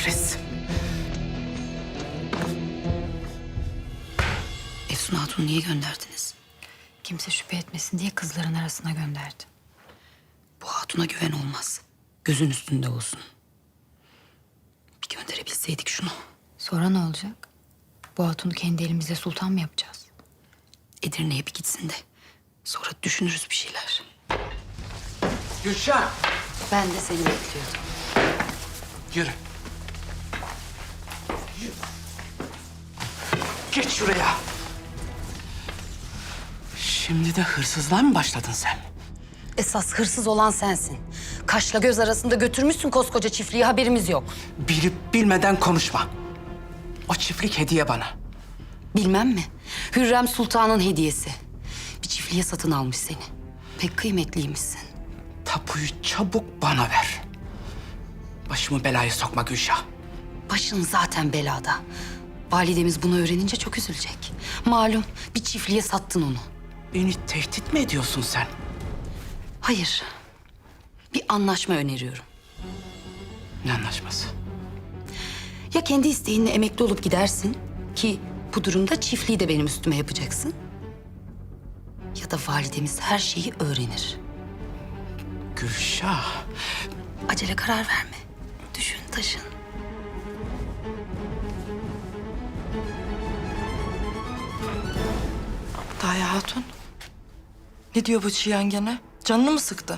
kahretsin. Efsun Hatun'u niye gönderdiniz? Kimse şüphe etmesin diye kızların arasına gönderdi. Bu hatuna güven olmaz. Gözün üstünde olsun. Bir gönderebilseydik şunu. Sonra ne olacak? Bu hatunu kendi elimizle sultan mı yapacağız? Edirne'ye bir gitsin de. Sonra düşünürüz bir şeyler. Gülşah. Ben de seni bekliyordum. Yürü. Yürü. Geç şuraya. Şimdi de hırsızlığa mı başladın sen? Esas hırsız olan sensin. Kaşla göz arasında götürmüşsün koskoca çiftliği, haberimiz yok. Bilip bilmeden konuşma. O çiftlik hediye bana. Bilmem mi? Hürrem Sultan'ın hediyesi. Bir çiftliğe satın almış seni. Pek kıymetliymişsin. Tapuyu çabuk bana ver. Başımı belaya sokma Gülşah. Başın zaten belada. Validemiz bunu öğrenince çok üzülecek. Malum bir çiftliğe sattın onu. Beni tehdit mi ediyorsun sen? Hayır. Bir anlaşma öneriyorum. Ne anlaşması? Ya kendi isteğinle emekli olup gidersin ki bu durumda çiftliği de benim üstüme yapacaksın. Ya da validemiz her şeyi öğrenir. Gülşah. Acele karar verme. Düşün, taşın. Daya Hatun. Ne diyor bu Çiyan gene? Canını mı sıktı?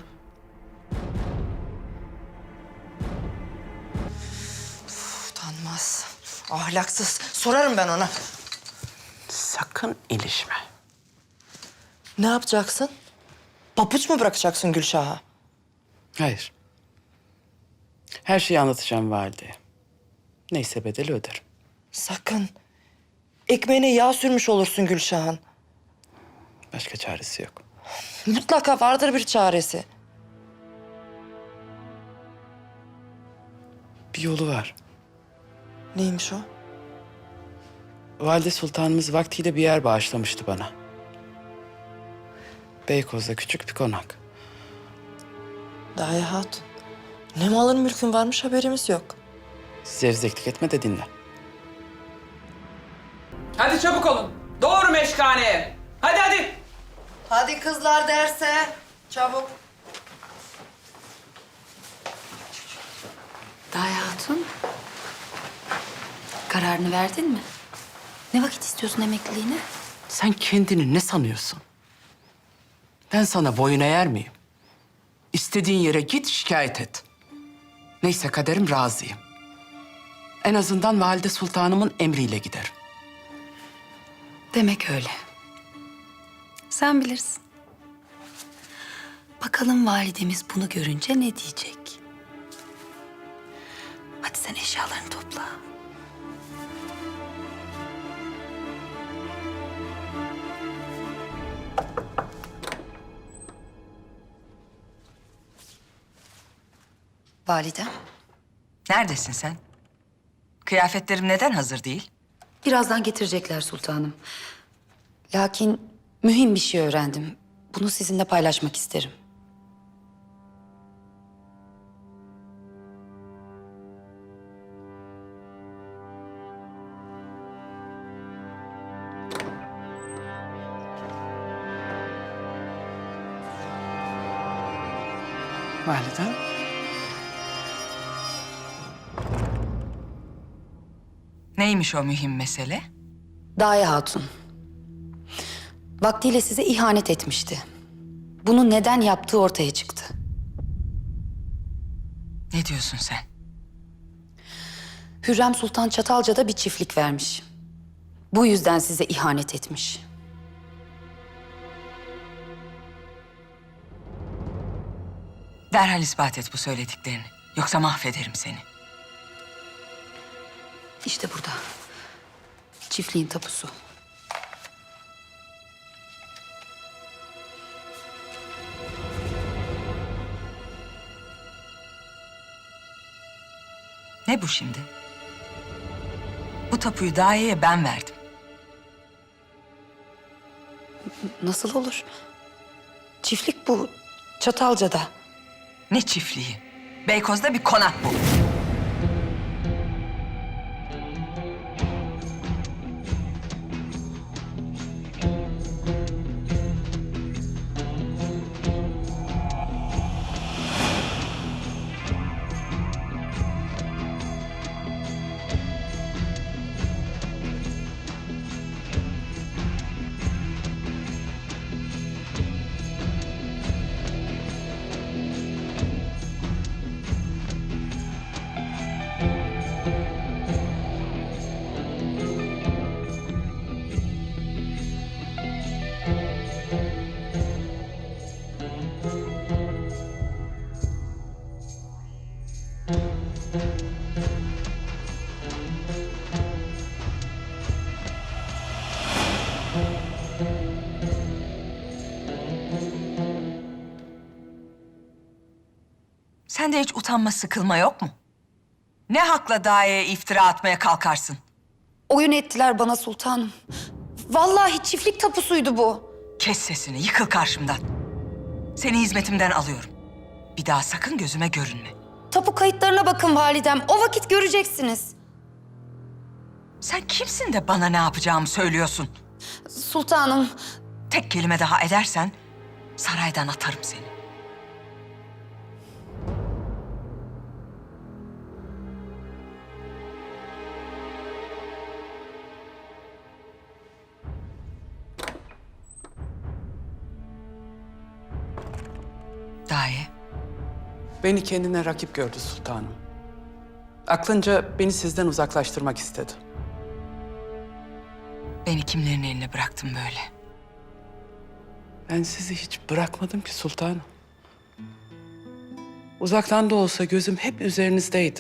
Utanmaz. Ahlaksız. Sorarım ben ona. Sakın ilişme. Ne yapacaksın? Papuç mu bırakacaksın Gülşah'a? Hayır. Her şeyi anlatacağım valideye. Neyse bedeli öderim. Sakın. Ekmeğine yağ sürmüş olursun Gülşah'ın. Başka çaresi yok. Mutlaka vardır bir çaresi. Bir yolu var. Neymiş o? Valide Sultanımız vaktiyle bir yer bağışlamıştı bana. Beykoz'da küçük bir konak. Daya Hatun. Ne malın mülkün varmış haberimiz yok. Zevzeklik etme de dinle. Hadi çabuk olun. Doğru meşkaneye. Hadi hadi. Hadi kızlar derse. Çabuk. Daya Hatun, kararını verdin mi? Ne vakit istiyorsun emekliliğine? Sen kendini ne sanıyorsun? Ben sana boyun eğer miyim? İstediğin yere git şikayet et. Neyse kaderim razıyım. En azından valide sultanımın emriyle giderim. Demek öyle. Sen bilirsin. Bakalım validemiz bunu görünce ne diyecek? Hadi sen eşyalarını topla. Validem, Neredesin sen? Kıyafetlerim neden hazır değil? birazdan getirecekler sultanım. Lakin mühim bir şey öğrendim. Bunu sizinle paylaşmak isterim. Validem. Neymiş o mühim mesele? Daya Hatun. Vaktiyle size ihanet etmişti. Bunu neden yaptığı ortaya çıktı. Ne diyorsun sen? Hürrem Sultan Çatalca'da bir çiftlik vermiş. Bu yüzden size ihanet etmiş. Derhal ispat et bu söylediklerini. Yoksa mahvederim seni. İşte burada. Çiftliğin tapusu. Ne bu şimdi? Bu tapuyu Daye'ye ben verdim. Nasıl olur? Çiftlik bu. Çatalca'da. Ne çiftliği? Beykoz'da bir konak bu. Sende hiç utanma sıkılma yok mu? Ne hakla Daye'ye iftira atmaya kalkarsın? Oyun ettiler bana sultanım. Vallahi çiftlik tapusuydu bu. Kes sesini, yıkıl karşımdan. Seni hizmetimden alıyorum. Bir daha sakın gözüme görünme. Tapu kayıtlarına bakın validem. O vakit göreceksiniz. Sen kimsin de bana ne yapacağımı söylüyorsun? Sultanım, Tek kelime daha edersen saraydan atarım seni. Daye, Beni kendine rakip gördü sultanım. Aklınca beni sizden uzaklaştırmak istedi. beni kimlerin eline bıraktın böyle? Ben sizi hiç bırakmadım ki sultanım. Uzaktan da olsa gözüm hep üzerinizdeydi.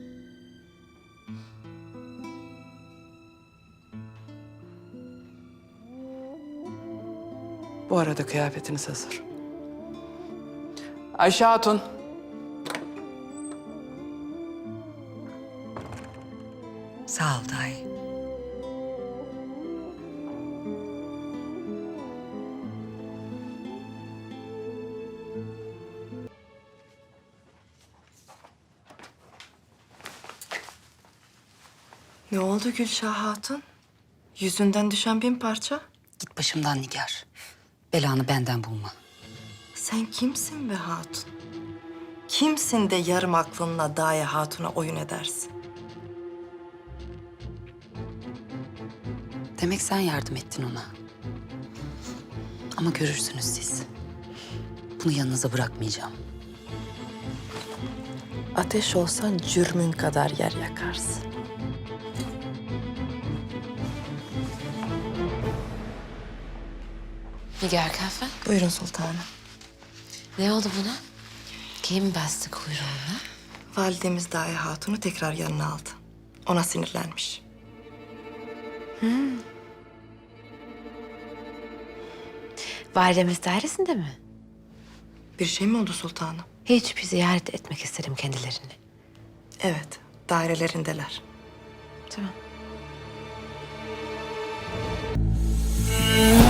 Bu arada kıyafetiniz hazır. Ayşe Hatun. Sağ ol Daye. Ne oldu Gülşah Hatun? Yüzünden düşen bin parça. git başımdan Nigar. Belanı benden bulma. Sen kimsin be Hatun? Kimsin de yarım aklınla Daye Hatun'a oyun edersin? Demek sen yardım ettin ona. Ama görürsünüz siz. Bunu yanınıza bırakmayacağım. Ateş olsan cürmün kadar yer yakarsın. Nigar Kahve, Buyurun sultanım. ne oldu buna? Kim bastı kuyruğuna? Validemiz Daye Hatun'u tekrar yanına aldı. Ona sinirlenmiş. Validemiz dairesinde mi? Bir şey mi oldu sultanım? Hiç bir ziyaret etmek istedim kendilerini. Evet, dairelerindeler. Tamam.